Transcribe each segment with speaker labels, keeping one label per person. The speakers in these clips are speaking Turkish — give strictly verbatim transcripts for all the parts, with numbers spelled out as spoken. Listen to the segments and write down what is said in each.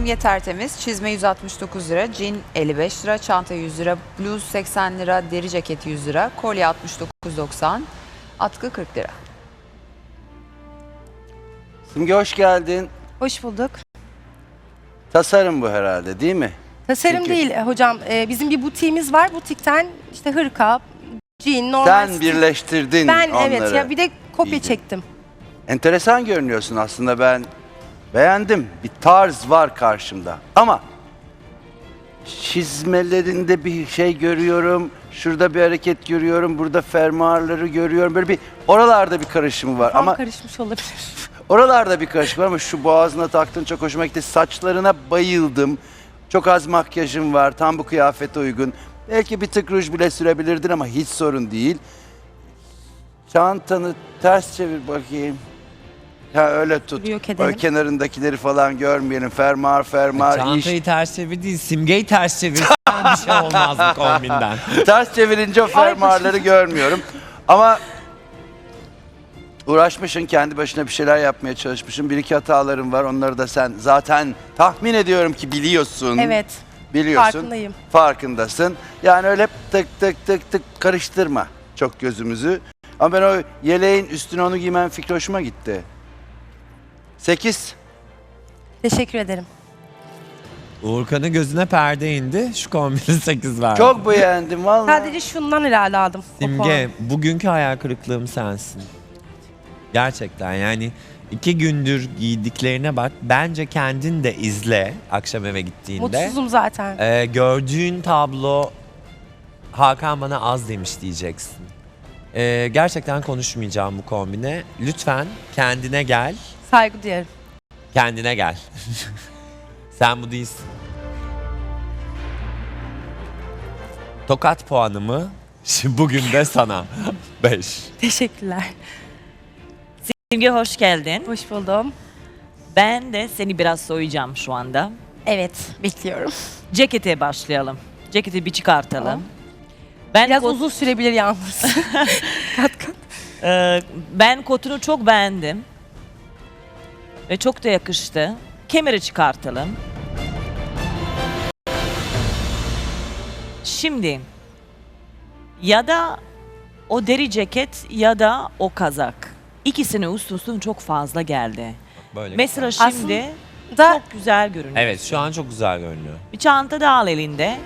Speaker 1: Simge tertemiz, çizme yüz altmış dokuz lira, jean elli beş lira, çanta yüz lira, bluz seksen lira, deri ceket yüz lira, kolye altmış dokuz doksan, atkı kırk lira.
Speaker 2: Simge hoş geldin.
Speaker 3: Hoş bulduk.
Speaker 2: Tasarım bu herhalde değil mi?
Speaker 3: Tasarım
Speaker 2: Çünkü-
Speaker 3: değil hocam. Ee, bizim bir butiğimiz var. Butikten işte hırka, jean, normal
Speaker 2: Sen
Speaker 3: stil-
Speaker 2: birleştirdin
Speaker 3: Ben
Speaker 2: onları.
Speaker 3: evet ya bir de kopya
Speaker 2: İyice.
Speaker 3: çektim.
Speaker 2: Enteresan görünüyorsun aslında, ben beğendim. Bir tarz var karşımda. Ama çizmelerinde bir şey görüyorum. Şurada bir hareket görüyorum. Burada fermuarları görüyorum. Böyle bir oralarda bir karışımı var.
Speaker 3: Tam
Speaker 2: Ama
Speaker 3: karışmış olabilir.
Speaker 2: oralarda bir karışık var ama şu boğazına taktığın çok hoşuma gitti. Saçlarına bayıldım. Çok az makyajın var. Tam bu kıyafete uygun. Belki bir tık ruj bile sürebilirdin ama hiç sorun değil. Çantanı ters çevir bakayım. Ha öyle tut.
Speaker 3: Yok edelim.
Speaker 2: O kenarındakileri falan görmeyelim. Fermuar fermuar
Speaker 4: Çantayı
Speaker 2: iş.
Speaker 4: ters çevir değil, simgeyi ters çevirsen bir şey olmaz bu kombinden.
Speaker 2: Ters çevirince o fermuarları görmüyorum. Ama uğraşmışsın, kendi başına bir şeyler yapmaya çalışmışsın. Bir iki hataların var. Onları da sen zaten tahmin ediyorum ki biliyorsun.
Speaker 3: Evet.
Speaker 2: Biliyorsun.
Speaker 3: Farkındayım.
Speaker 2: Farkındasın. Yani öyle tık tık tık tık karıştırma çok gözümüzü. Ama ben o yeleğin üstüne onu giymen fikri hoşuma gitti. Sekiz.
Speaker 3: Teşekkür ederim.
Speaker 4: Uğurkan'ın gözüne perde indi, şu kombini sekiz verdi.
Speaker 2: Çok beğendim vallahi.
Speaker 3: Sadece şundan herhalde aldım. o
Speaker 4: Simge,
Speaker 3: puanı.
Speaker 4: bugünkü hayal kırıklığım sensin. Gerçekten yani iki gündür giydiklerine bak. Bence kendin de izle akşam eve gittiğinde.
Speaker 3: Mutsuzum zaten.
Speaker 4: Ee, gördüğün tablo Hakan bana az demiş diyeceksin. Ee, gerçekten konuşmayacağım bu kombine. Lütfen kendine gel.
Speaker 3: Saygı duyarım.
Speaker 4: Kendine gel. Sen bu değilsin. Tokat puanımı şimdi bugün de sana. beş.
Speaker 3: Teşekkürler.
Speaker 5: Simge hoş geldin.
Speaker 3: Hoş buldum.
Speaker 5: Ben de seni biraz soyacağım şu anda.
Speaker 3: Evet, bekliyorum.
Speaker 5: Cekete başlayalım. Ceketi bir çıkartalım. Ben
Speaker 3: Biraz
Speaker 5: kot-
Speaker 3: uzun sürebilir yalnız. kat kat.
Speaker 5: Ee, ben kotunu çok beğendim. Ve çok da yakıştı. Kemeri çıkartalım. Şimdi ya da o deri ceket ya da o kazak. İkisini üst üste çok fazla geldi.
Speaker 4: Böyle
Speaker 5: Mesela
Speaker 4: güzel.
Speaker 5: şimdi
Speaker 3: Da
Speaker 5: çok güzel görünüyor.
Speaker 4: Evet, şu an çok güzel görünüyor.
Speaker 5: Bir çanta da al elinde.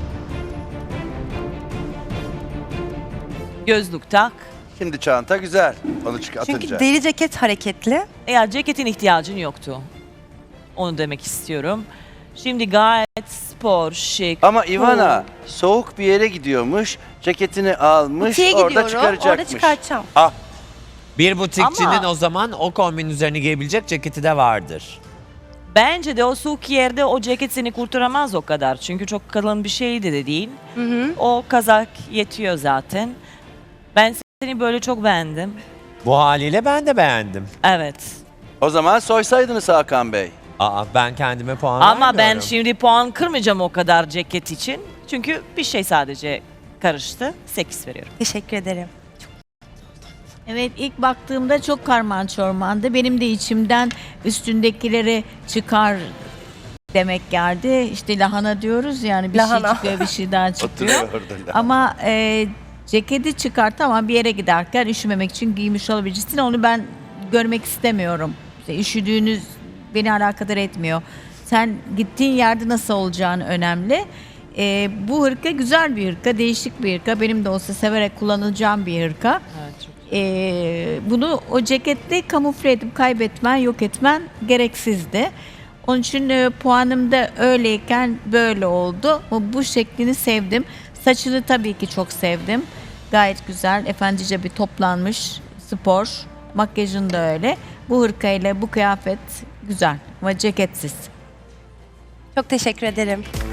Speaker 5: Gözlük tak.
Speaker 2: Şimdi çanta güzel. Onu çıkartınca.
Speaker 3: çünkü deri ceket hareketli.
Speaker 5: Eğer ceketin ihtiyacın yoktu. Onu demek istiyorum. Şimdi gayet spor, şık.
Speaker 2: Ama Ivana
Speaker 5: cool.
Speaker 2: soğuk bir yere gidiyormuş. Ceketini almış.
Speaker 3: Butiğe
Speaker 2: orada
Speaker 3: gidiyorum.
Speaker 2: çıkaracakmış.
Speaker 3: Orada çıkartacağım.
Speaker 2: Ah,
Speaker 4: Bir butikçinin
Speaker 5: Ama-
Speaker 4: o zaman o kombinin üzerine giyebilecek ceketi de vardır.
Speaker 5: Bence de o soğuk yerde o ceket seni kurtaramaz o kadar. Çünkü çok kalın bir şey de, de değil.
Speaker 3: Hı hı.
Speaker 5: O kazak yetiyor zaten. Ben seni böyle çok beğendim.
Speaker 4: Bu haliyle ben de beğendim.
Speaker 5: Evet.
Speaker 2: o zaman soysaydınız Hakan Bey.
Speaker 4: Aa, ben kendime puan
Speaker 5: Ama ben
Speaker 4: vermiyorum.
Speaker 5: şimdi puan kırmayacağım o kadar ceket için. Çünkü bir şey sadece karıştı. sekiz veriyorum.
Speaker 3: Teşekkür ederim.
Speaker 6: Evet, ilk baktığımda çok karman çormandı. Benim de içimden üstündekileri çıkar demek geldi. İşte lahana diyoruz yani bir
Speaker 3: Lahana.
Speaker 6: şey çıkıyor, bir şey daha çıkıyor.
Speaker 2: Oturuyor orada.
Speaker 6: Ama e, ceketi çıkart ama bir yere giderken üşümemek için giymiş olabilirsin. Onu ben görmek istemiyorum. İşte üşüdüğünüz beni alakadar etmiyor. Sen gittiğin yerde nasıl olacağını önemli. E, bu hırka güzel bir hırka, değişik bir hırka. Benim de olsa severek kullanacağım bir hırka.
Speaker 5: Evet, çok
Speaker 6: Ee, bunu o ceketle kamufle edip kaybetmen, yok etmen gereksizdi. Onun için e, puanım da öyleyken böyle oldu. Bu, bu şeklini sevdim. Saçını tabii ki çok sevdim. Gayet güzel, efendice bir toplanmış, spor. Makyajın da öyle. Bu hırkayla bu kıyafet güzel ama ceketsiz.
Speaker 3: Çok teşekkür ederim.